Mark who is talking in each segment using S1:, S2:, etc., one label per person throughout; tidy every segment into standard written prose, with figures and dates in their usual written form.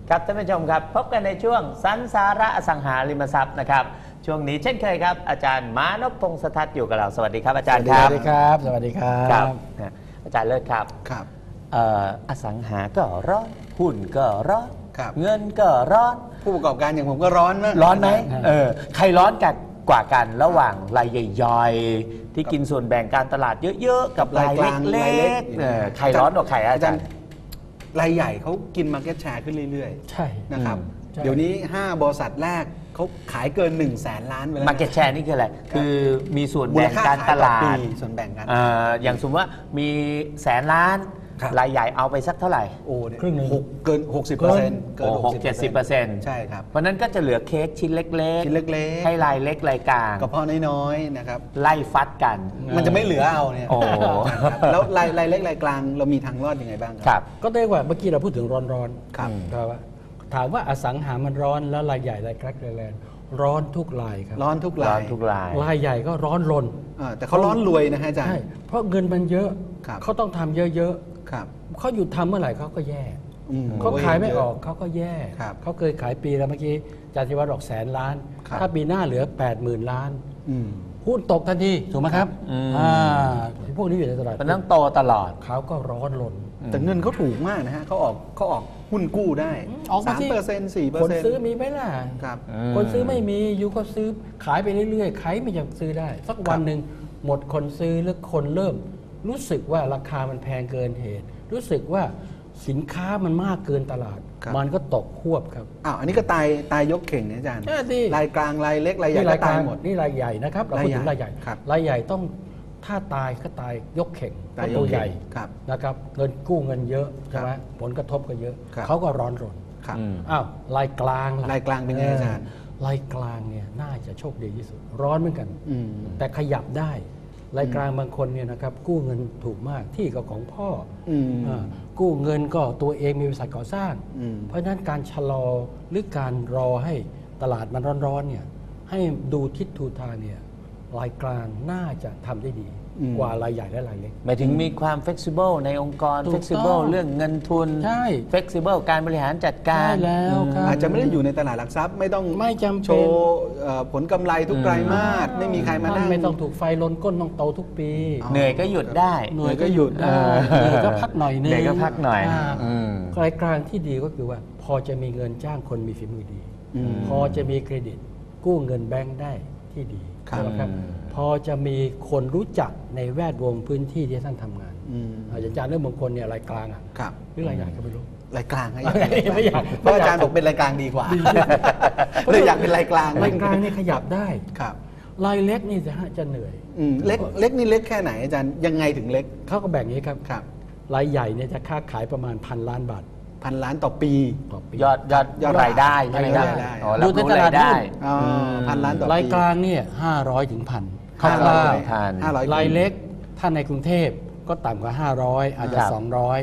S1: ครับท่านผู้ชมครับพบกันในช่วงสันสาระอสังหาริมทรัพย์นะครับช่วงนี้เช่นเคยครับอาจารย์มานพพงษ์สทัศน์อยู่กับเราสวัสดีครับอาจารย์ครับ
S2: สวัสดีครับสวัสดีครับ
S1: อาจารย์เลิศครับ
S2: ครับ
S1: อสังหาก็ร้อนหุ้นก็ร้อน
S2: ครับ
S1: เงินก็ร้อน
S2: ผู้ประกอบการอย่างผมก็ร้อนมาก
S1: ร้อนไหมใครร้อนกว่ากันระหว่างรายใหญ่ๆที่กินส่วนแบ่งการตลาดเยอะๆกับรายเล็กๆใครร้อนกว่าใครอาจารย์
S2: รายใหญ่เขากิน market share ขึ้นเรื่อยๆ
S3: ใช่
S2: นะครับเดี๋ยวนี้ 5 บริษัทแรกเขาขายเกิน 100,000 ล้านไปแล้ว
S1: Market Share นี่คืออะไรคือมีส่วนแบ่งการตลาด
S2: ส่วนแบ่งกัน
S1: อย่างสมมติว่ามี100,000 ล้าน
S2: ครับ
S1: รายใหญ่เอาไปสักเท่าไหร่
S2: โอ้เนี่ย
S3: ครึ่งหนึ่ง
S2: เกิน 60%เกิน
S1: 60-70%
S2: ใช่ครับ
S1: เพราะนั้นก็จะเหลือเค้กชิ้นเล็ก
S2: ชิ้นเล็กๆ
S1: ให้รายเล็กรายกลาง
S2: กระเพาะน้อยๆนะครับ
S1: ไล่ฟัดกัน
S2: มันจะไม่เหลือเอาเนี่ย
S1: โอ้
S2: นะครับแล้วรายเล็กรายกลางเรามีทางรอดยังไงบ้าง
S1: ครับ
S3: ก็ได้ว่าเมื่อกี้เราพูดถึงร้อน
S2: ครับ
S3: ครับว่าถามว่าอสังหามันร้อนแล้วรายใหญ่รายกลางรายแรงร้อนทุกรายครับ
S2: ร้อนทุก
S1: ร้อ
S2: ราน ย
S1: ทุกราย
S3: รายใหญ่ก็ร้อนรน
S2: แต่เขาร้อนรวยนะฮะอาจาร
S3: ใช่
S2: ย์
S3: เพราะเงินมันเยอะ
S2: ครับ
S3: เขาต้องทำเยอะ
S2: ครับ
S3: ๆเขาหยุดทำเมื่อไหร่เขาก็แย่
S2: อืม
S3: เขาขายไม่ออกเขาก็แย่
S2: ครับ
S3: เขาเคยขายปีแล้วเมื่อกี้อาจารย์ธิวัฒน์บอก100,000 ล้าน
S2: ครับ
S3: ถ้าปีหน้าเหลือ 80,000 ล้าน
S2: อืม
S3: หุ้นตกทันทีถูกไหมครับ
S1: อืม
S3: พวกนี้อยู่ในตลาด
S1: มันต้องโตตลอด
S3: เขาก็ร้อนรน
S2: แต่เงินเขาถูกมากนะฮะเขาออกหุ้นกู้ได้
S3: ออกมาสิ
S2: 3%
S3: คนซื้อ
S2: 4%
S3: มีไหมล่ะ
S2: ครับ
S3: คนซื้อไม่มีอยู่ก็ซื้อขายไปเรื่อยๆใครไม่อยากซื้อได้ สักวันหนึ่งหมดคนซื้อหรือคนเริ่ม รู้สึกว่าราคามันแพงเกินเหตุ รู้สึกว่าสินค้ามันมากเกินตลาด
S2: ครับ
S3: มันก็ตกควบครับ
S2: อ้าวอันนี้ก็ตายยกเข่งนะอาจารย์
S3: ใช่สิ
S2: รายกลางรายเล็กรายใหญ่
S3: นี่
S2: ก็
S3: ราย
S2: ตาก
S3: ลายง
S2: หมด
S3: นี่รายใหญ่นะครับเราพูดถึงรายใหญ่
S2: ครับ
S3: รายใหญ่ต้องถ้าตายก็ตายยกเข่ง
S2: ตาย
S3: เพระตัวย
S2: กเข่ง
S3: ใหญ่
S2: ครับ
S3: นะครับเงินกู้เงินเยอะใช่ไหมผลกระทบก็เยอะ
S2: ครับ
S3: เขาก็ร้อนรน
S2: ครับ
S3: อ้าวรายกลางล่ะ
S2: รายกลางเป็นไงอาจารย์
S3: รายกลางเนี่ยน่าจะโชคดีที่สุด ร้อนเหมือนกัน
S2: อืม
S3: แต่ขยับได้รายกลางบางคนเนี่ยนะครับกู้เงินถูกมากที่ก็ของพ่ออ
S2: ม
S3: กู้เงินก็ตัวเองมีบริษัทก่อสร้าง
S2: อืม
S3: เพราะฉะนั้นการชะลอหรือการรอให้ตลาดมันร้อนๆเนี่ยให้ดูทิศทูทางเนี่ยรายกลางน่าจะทำได้ดี กว่ารายใหญ่และรายเล็ก
S1: หมายถึงมีความ flexible ในองค์กร
S3: ถูกต้อง
S1: flexible เรื่องเงินทุน
S3: ใช่
S1: flexible การบริหารจัดกา
S3: ใช่
S1: ร
S3: แล้วครับ
S2: อาจจะไม่ได้อยู่ในตลาดหลักทรัพย์ไม่ต้อง
S3: ไม่จำเป็น
S2: โชว์ผลกำไรทุกไตรมาสไม่มีใครมา
S3: ท่า
S2: นั่
S3: น
S2: ง
S3: ไม่ต้องถูกไฟลนก้นต้องโตทุกปี
S1: เหนื่อยก็หยุดได้
S2: เหนื่อยก็หยุด
S3: ได้เหนื่อยก็พักหน่อยนึง
S1: เหนื่อยก็พักหน่อย
S3: า
S1: อืม
S3: รายกลางที่ดีก็คือว่า พอจะมีเงินจ้างคนมีฝีมือดี พอจะมีเครดิตกู้เงินแบงค์ได้ที่ดี
S2: ครับ
S3: ใช่ไหมครับ พอจะมีคนรู้จักในแวดวงพื้นที่ที่ท่านทำงาน
S2: อืม
S3: อาจารย์เรื่องบางคนเนี่ยรายกลางอ่ะ
S2: ครับ
S3: หรือรายใหญ่ก็ไม่รู้
S2: รายกลางให้
S3: ไม่อยาก
S2: เพราะอาจารย์บอกเป็นรายกลางดีกว่าเลยอยากเป็นรายกลาง
S3: รายกลางนี่ขยับได้
S2: ครับ
S3: รายเล็กนี่จะเหนื่อย
S2: เล็กนี่เล็กแค่ไหนอาจารย์ยังไงถึงเล็ก
S3: เขาก็แบ่งอย่างนี้ครับ
S2: ครับ
S3: รายใหญ่เนี่ยจะค้าขายประมาณ1,000 ล้านบาท
S2: 1,000 ล้านต่อปี
S3: ต่อปี
S1: ยอดรายได้ใช่ไหมครับ
S2: รายได้
S1: อ๋อ
S3: ดู
S1: รับ
S3: ใน
S1: รู้
S3: ตลาด
S1: รายได้
S3: หุ้น
S2: อ๋อ1,000 ล้านต่อปี
S3: รายกลางเนี่ย500 ถึง 1,000คร่าว
S1: 500
S2: 500
S3: รายเล็กถ้าในกรุงเทพก็ต่ำกว่า 500 อาจจะ
S1: ครับ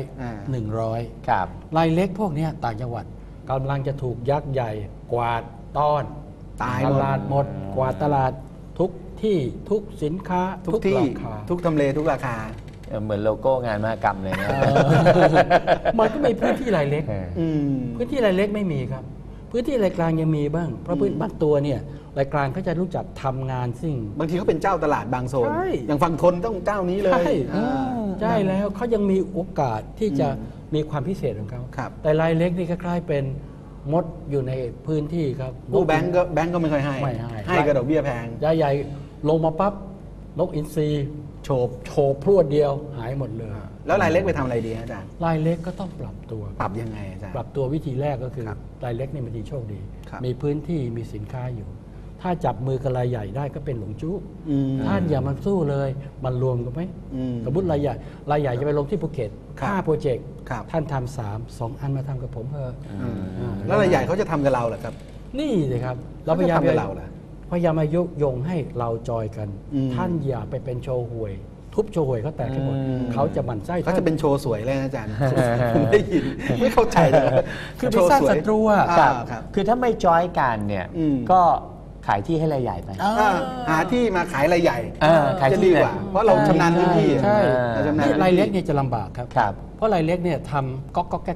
S3: 200
S1: ครับ
S3: 100รายเล็กพวกเนี้ยต่างจังหวัดกำลังจะถูกยักษ์ใหญ่กวาดต้อน
S2: ตาย
S3: ต
S2: หมด
S3: ลาดหมดกวาดตลาดทุกที่ทุกสินค้า
S2: ทุกที่
S3: ราคา
S2: ทุกทำเลทุกราคา
S1: เหมือนโลโก้งานมหกรรมเลยนะ
S3: มันก็มีพื้นที่รายเล็ก
S2: อืม
S3: พื้นที่รายเล็กไม่มีครับ พื้นที่รายกลางยังมีบ้าง เพราะพื้นบางตัวเนี่ยรายกลางเขาจะรู้จักทำงานสิ่ง
S2: บางทีเขาเป็นเจ้าตลาดบางโซน
S3: ใช่
S2: อย่างฝั่งทนต้องเจ้านี้เลย
S3: ใช่
S2: อ่า
S3: ใช่แล้วเขายังมีโอกาสที่จะมีความพิเศษของเขา
S2: ครับ
S3: แต่รายเล็กนี่คล้ายๆเป็นมดอยู่ในพื้นที่ครับ
S2: กู้แบงก์ก็ไม่ค่อยให้
S3: ไม่ให้
S2: ให้กระดอกเบี้ยแพง
S3: ใหญ่ๆลงมาปั๊บนกอินทรีโฉบพรวดเดียวหายหมดเลย
S2: แล้วรายเล็กไปทำอะไรดีฮะอาจารย์
S3: รายเล็กก็ต้องปรับตัว
S2: ปรับยังไงอาจารย์
S3: ปรับตัววิธีแรกก็คือ
S2: ครับ
S3: รายเล็กนี่มันดีโชคดี
S2: ครับ
S3: มีพื้นที่มีสินค้าอยู่ ถ้าจับมือกับรายใหญ่ได้ก็เป็นหลงจู้
S2: อืม
S3: ท่านอย่ามันสู้เลยมันรวมกันไหม
S2: อืม
S3: สมมติรายใหญ่จะไปลงที่ภูเก็ต
S2: ครับ
S3: 5 โปรเจกต์
S2: ครับ
S3: ท่านทำ2 อันมาทำกับผมเถอะ
S2: แล้วรายใหญ่เขาจะทำกับเราเหรอครับ
S3: นี่สิครับ
S2: เขาจะทำกับเราเหรอ
S3: พยายามมายุยงให้เราจอยกัน
S2: อืม
S3: ท่านอย่าไปเป็นโชว์หวย ทุบโชว์หวยเขาแตกให้หมด เขาจะหมั่นไส้
S2: เขาจะเป็นโชว์สวยเลยนะอาจารย์ ผมได้ยินไม่เข้าใจเลย
S3: คือไปสร้างศัตรูอ่ะ
S2: ครับครับ
S1: คือถ้าไม่จอยกันเนี่ย
S2: อืม
S1: ก็ขายที่ให้รายใหญ่ไป
S2: หาที่มาขายรายใหญ่
S1: ขาย
S2: จะ
S1: ที่
S2: ดีกว่า เพราะเราชำนาญพื้นที่
S3: ใช่
S2: เราชำนาญ
S3: นี่
S2: พื้นที่
S3: รายเล็กเนี่ยจะลำบากครับ
S1: ครับ
S3: เพราะรายเล็กเนี่ยทำก๊อกแก๊ก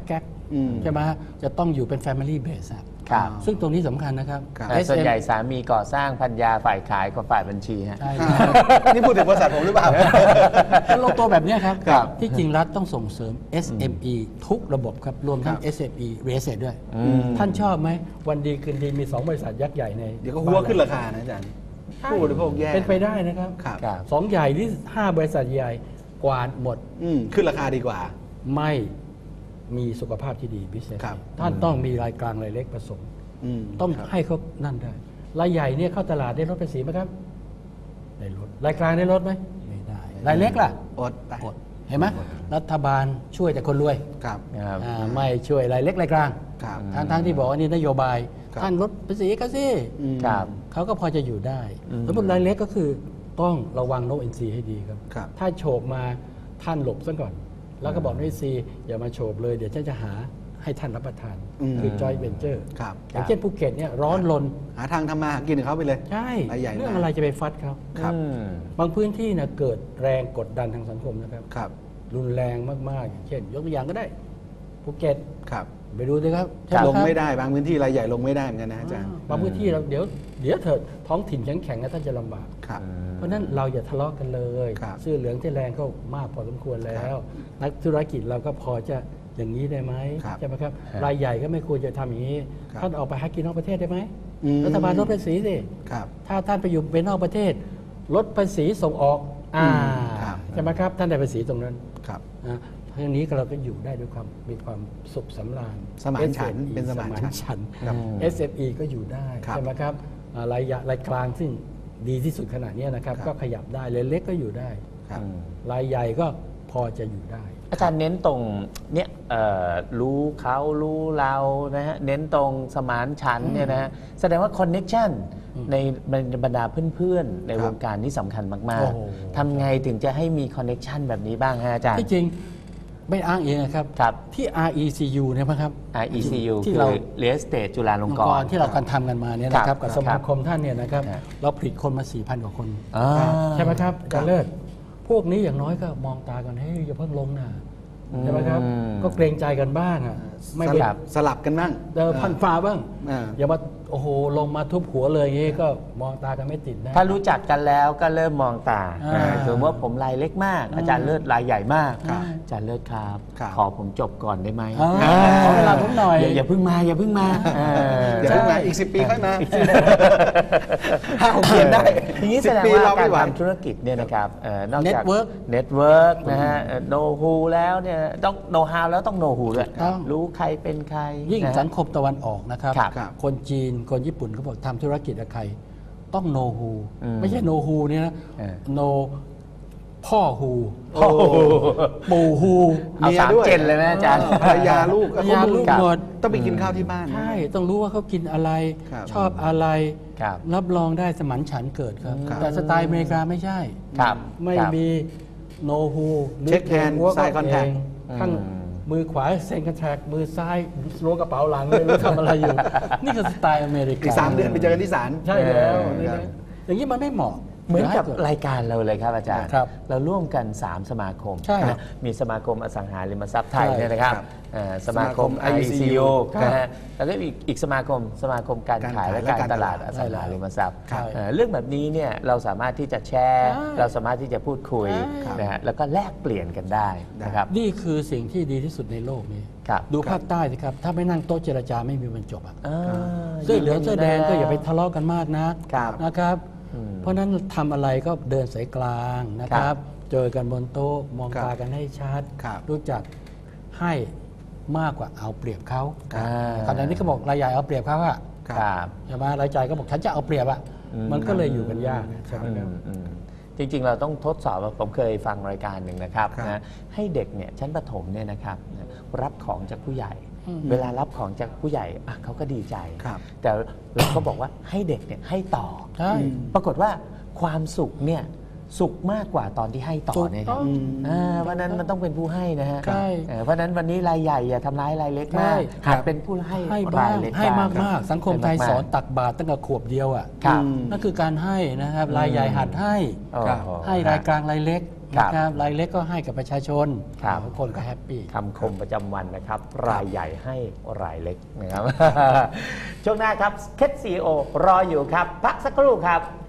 S3: ใช่ไหมจะต้องอยู่เป็น Family Base อะ
S1: ครับ
S3: ซึ่งตรงนี้สำคัญนะครับ
S2: ครับ
S1: แต่ส่วนใหญ่สามีก่อสร้างภรรยาฝ่ายขายกับฝ่ายบัญชีฮะ
S3: ใช่
S2: นี่พูดถึงบริษัทผมหรือเปล่า
S3: แล้วลงตัวแบบเนี้ยครับ
S2: ครับ
S3: ที่จริงรัฐต้องส่งเสริม SME ทุกระบบครับ รวมทั้ง
S2: ครับ
S3: SME Real Estate ด้วย ท่านชอบไหม วันดีคืนดีมี 2 บริษัทยักษ์ใหญ่ใน
S2: เดี๋ยวก็หัวขึ้นราคานะอาจารย์
S3: ใช่
S2: ผู้บริโภคแย่
S3: เป็นไปได้นะครับ
S2: ครับ
S1: ครับ
S3: สองใหญ่ที่5 บริษัทใหญ่กวาดหมด
S2: ขึ้นราคาดีกว่า
S3: ไม่มีสุขภาพที่ดีพิเศษ
S2: ครับ
S3: ท่านต้องมีรายกลางรายเล็กผสม ต้อง
S2: ครับ
S3: ให้เขานั่นได้ รายใหญ่เนี่ยเข้าตลาดได้ลดภาษีไหมครับ ได้ลด รายกลางได้ลดไหม ไม่ได้ รายเล็กล่ะ
S2: อดไป
S3: อด เห็นไหมรัฐบาลช่วยแต่คนรวย
S2: ครับ
S1: ครับ
S3: ไม่ช่วยรายเล็กรายกลาง
S2: ครับ
S3: ทั้งที่บอกว่านี่นโยบาย
S2: ครับ
S3: ท่านลดภาษีก็สิ
S1: ครับ
S3: เขาก็พอจะอยู่ได้สมมติรายเล็กก็คือต้องระวังโนอินซีให้ดีครับ
S2: ครับ
S3: ถ้าโฉบมาท่านหลบซะก่อน แล้วก็บอกโนอินซีอย่ามาโฉบเลยเดี๋ยวฉันจะหาให้ท่านรับประทาน คือจอยเวนเจอร์
S2: ครับ
S3: อย่างเช่นภูเก็ตเนี่ยร้อนรน
S2: หาทางทำมาหากินของเขาไปเลย
S3: ใช่
S2: รายใหญ่
S3: เรื่อง
S2: มาก
S3: อะไรจะไปฟัดเขา
S2: ครับ
S3: บางพื้นที่นะเกิดแรงกดดันทางสังคมนะครับ
S2: ครับ
S3: รุนแรงมากๆอย่างเช่น ยกตัวอย่างก็ได้ภูเก็ต
S2: ครับ
S3: ไปดูสิครับ
S2: ลงไม่ได้บางพื้นที่รายใหญ่ลงไม่ได้เหมือนกันนะอาจารย์
S3: บางพื้นที่เราเดี๋ยวเถิดท้องถิ่นแข็งๆนะท่านจะลำบาก
S2: ครับ
S3: เพราะฉะนั้นเราอย่าทะเลาะกันเลย
S2: ครับ
S3: เสื้อเหลืองที่แรงก็มากพอสมควรแล้ว นักธุรกิจเราก็พอจะอย่างนี้ได้ไหม
S2: ครับ
S3: ใช่ไหมครับ
S1: ครับ
S3: รายใหญ่ก็ไม่ควรจะทำอย่างนี้
S2: ครับ
S3: ท่านออกไปหากินนอกประเทศได้ไหม
S2: อืม
S3: รัฐบาลลดภาษีสิ
S2: ครับ
S3: ถ้าท่านไปอยู่เป็นนอกประเทศ ลดภาษีส่งออก
S2: ครับ
S3: ใช่ไหมครับ ท่านได้ภาษีตรงนั้น
S2: ครับ
S3: นะเพราะฉะนี้เราก็อยู่ได้ด้วยความมีความสุขสำราญ
S2: สมานฉันท์
S3: SME
S2: เป็นสมานฉันท์
S3: ฉันท์
S2: ครับ
S3: SME ก็อยู่ได้
S2: ครับ
S3: ใช่ไหมครับรายกลางซึ่งดีที่สุดขนาดนี้นะครับ
S2: ครับ
S3: ก็ขยับได้รายเล็กก็อยู่ได้
S2: ครับ
S3: รายใหญ่ก็พอจะอยู่ได้
S1: อาจารย์เน้นตรงเนี่ยรู้เขารู้เรานะฮะเน้นตรงสมานฉันท์เนี่ยนะฮะแสดงว่าคอนเน็ชันในบรรดาเพื่อนๆ ใน
S2: ครับ
S1: วงการนี่สำคัญมาก
S3: โอ้โห
S1: ๆทำไงถึงจะให้มีคอนเน็ชันแบบนี้บ้างฮะอาจารย์
S3: ที่จริงไม่อ้างเองนะครับ
S1: ครับ
S3: ที่ RECU เนี่ยนะครับ
S1: RECU
S3: ที่
S1: คือ
S3: เรา
S1: Real Estate จุฬาลงกรณ์
S3: ที่เราการทำกันมาเนี่ยนะครับ กับ
S1: ครับ
S3: สมาคมท่านเนี่ยนะครับ
S1: ครับ
S3: เราผลิตคนมา 4,000 กว่าคน
S1: อ่า
S3: ใช่ไหมครับอาจารย์เลิศพวกนี้อย่างน้อยก็มองตากันให้ยอย่าเพิ่งลงนะใช่ไหมครับ ก็เกรงใจกันบ้างอ่ะไม่
S2: ส
S3: เป็น
S2: ลับสลับกันบ้าง
S3: พันฟ้าบ้าง
S2: อ่า
S3: อย่ามาโอ้โหลงมาทุบหัวเลยอย่างงี้ก็มองตากันไม่ติดนะ
S1: ถ้ารู้จักกันแล้วก็เริ่มมองตา
S3: อ่า
S1: สมมติว่าผมรายเล็กมาก อาจารย์เลิศรายใหญ่มาก
S2: ครับ
S1: อาจารย์เลิศครับ
S2: ครับ
S1: ขอผมจบก่อนได้ไหม
S3: ขอเวลาผมหน่อย
S1: อย่าเพิ่งมาอย่าเพิ่งมา
S2: เดี๋ยวเพิ่งมาอีก 10 ปีค่อยมา5-6 เดือนได้
S1: ทีนี้แสดง
S2: 10 ปี
S1: ว่า
S2: เรา
S1: กา
S2: ไม่
S1: ร
S2: ไหว
S1: ทำธุรกิจเนี่ยนะครับนอกจาก
S3: Network
S1: เน็ตเวิร์กนะฮะโนฮูแล้วเนี่ยต้องโนฮาวแล้วต้องโนฮูด้วย
S3: ต้อง
S1: รู้ใครเป็นใคร
S3: ยิ่ง
S1: นะฮะ
S3: สังคมตะวันออกนะครับ
S1: ครับ
S2: ครับ
S3: คนจีนคนญี่ปุ่นเขาบอกทำธุรกิจกับใคร ต้องโนฮู
S1: อืม
S3: ไม่ใช่โนฮูเนี่ยนะ
S1: เออ
S3: โนพ่อฮู
S2: โอ้โห
S3: ปู่ฮู
S1: เอา
S2: เมีย
S1: สาม
S2: ด้วย
S1: เจนเลยไหมอาจารย์
S2: ภรรยาลูก
S3: ภรรยาลูกหมด
S2: ต้องไปกินข้าวที่บ้าน
S3: ใช่ ต้องรู้ว่าเขากินอะไร
S2: ครับ
S3: ชอบอะไร
S1: ครับ
S3: รับรองได้สมันฉันท์เกิดครับ
S2: ครับ
S3: แต่สไตล์อเมริกาไม่ใช่
S1: ครับ
S3: ไม่
S1: ครับ
S3: มีโนฮู
S2: Check hand side contact
S3: ข้างมือขวาเซ็นคอนแทคมือซ้ายล้วงกระเป๋าหลังไม่รู้ทำอะไรอยู่ นี่คือสไตล์อเมริกา
S2: อีก 3 เดือนไปเจอกันที่ศาล
S3: ใช่แล้ว
S2: ครับ
S3: อย่างนี้มันไม่เหมาะ
S1: เหมือนกับ
S3: ดี๋ยว
S1: รายการเราเลยครับอาจารย์
S3: ครับ
S1: เราร่วมกัน 3 สมาคม
S3: ใช่
S1: นะมีสมาคมอสังหาริมทรัพย์ไทย
S3: ใช่
S1: เนี่ยนะครับ
S2: ครับ
S1: สมาคม
S2: สมาคม
S1: IECU
S3: ครับ
S1: นะฮะแล้วก็อีกสมาคมการขายและการตลาดอสังหาริมทรัพย์
S3: ครับ
S1: เรื่องแบบนี้เนี่ยเราสามารถที่จะแชร์
S3: ใช่
S1: เราสามารถที่จะพูดคุย
S3: ใช่
S1: นะฮะแล้วก็แลกเปลี่ยนกันได้นะครับ
S3: นี่คือสิ่งที่ดีที่สุดในโลกนี้
S1: ครับ
S3: ดูภาคใต้สิครับ ถ้าไม่นั่งโต๊ะเจรจาไม่มีวันจบอะ
S1: อ่า
S3: เสื้อเหลืองเสื้อแดงก็อย่าไปทะเลาะกันมากนะครับ นะครับ
S1: อืม
S3: เพราะฉะนั้นทำอะไรก็เดินสายกลางนะค
S1: ครั
S3: รับ
S1: บ
S3: เจอกันบนโต๊ะมอง
S2: ครับ
S3: ตากันให้ชัด
S2: ครับ
S3: รู้จักให้มากกว่าเอาเปรียบเขา
S1: อ่า
S3: ขณะนี้เขาบอกรายใหญ่เอาเปรียบเขาอะ
S1: ครับ
S3: ใช่ไหมรายจ่ายก็บอกฉันจะเอาเปรียบอะ
S1: อืม
S3: มันก็เลยอยู่กันยากใช่ไหมครับ
S1: อืมจริงๆ เราต้องทดสอบว่าผมเคยฟังรายการหนึ่งนะครับ
S2: ครับ
S1: นะให้เด็กเนี่ยชั้นประถมเนี่ยนะครับนะรับของจากผู้ใหญ่
S3: อืม
S1: เวลารับของจากผู้ใหญ่อ่ะเขาก็ดีใจ
S2: ครับ
S1: แต่เราก็บอกว่าให้เด็กเนี่ยให้ต่อ
S3: ใช่
S1: ปรากฏว่าความสุขเนี่ยสุขมากกว่าตอนที่ให้ต่อเนี่ยครับ
S3: ถูกต้อง
S1: เพราะฉะนั้นมันต้องเป็นผู้ให้นะฮะ
S3: ใช่
S1: เพราะฉะนั้นวันนี้รายใหญ่อย่าทำร้ายรายเล็ก
S3: ใช่
S1: มากหัดเป็นผู้ให้
S3: ให้บ้าง
S1: รายเล็ก
S3: ให้
S1: บ้าง
S3: มากๆ สังคมไทย
S1: ให้ากๆ
S3: สอนตักบาตรตั้งแต่ขวบเดียวอ่ะ
S1: ครับ
S3: นั่นคือการให้นะครับ รายใหญ่หัดให้
S1: โอ้โห
S3: ให้รายกลางรายเล็ก
S1: ครับ
S3: นะครับรายเล็กก็ให้กับประชาชน
S1: ครับ
S3: ทุกคนก็แฮปปี้
S1: คำคมประจำวันนะครับ รายใหญ่ให้รายเล็กนะครับ ช่วงหน้าครับเคสซีโอรออยู่ครับพักสักครู่ครับ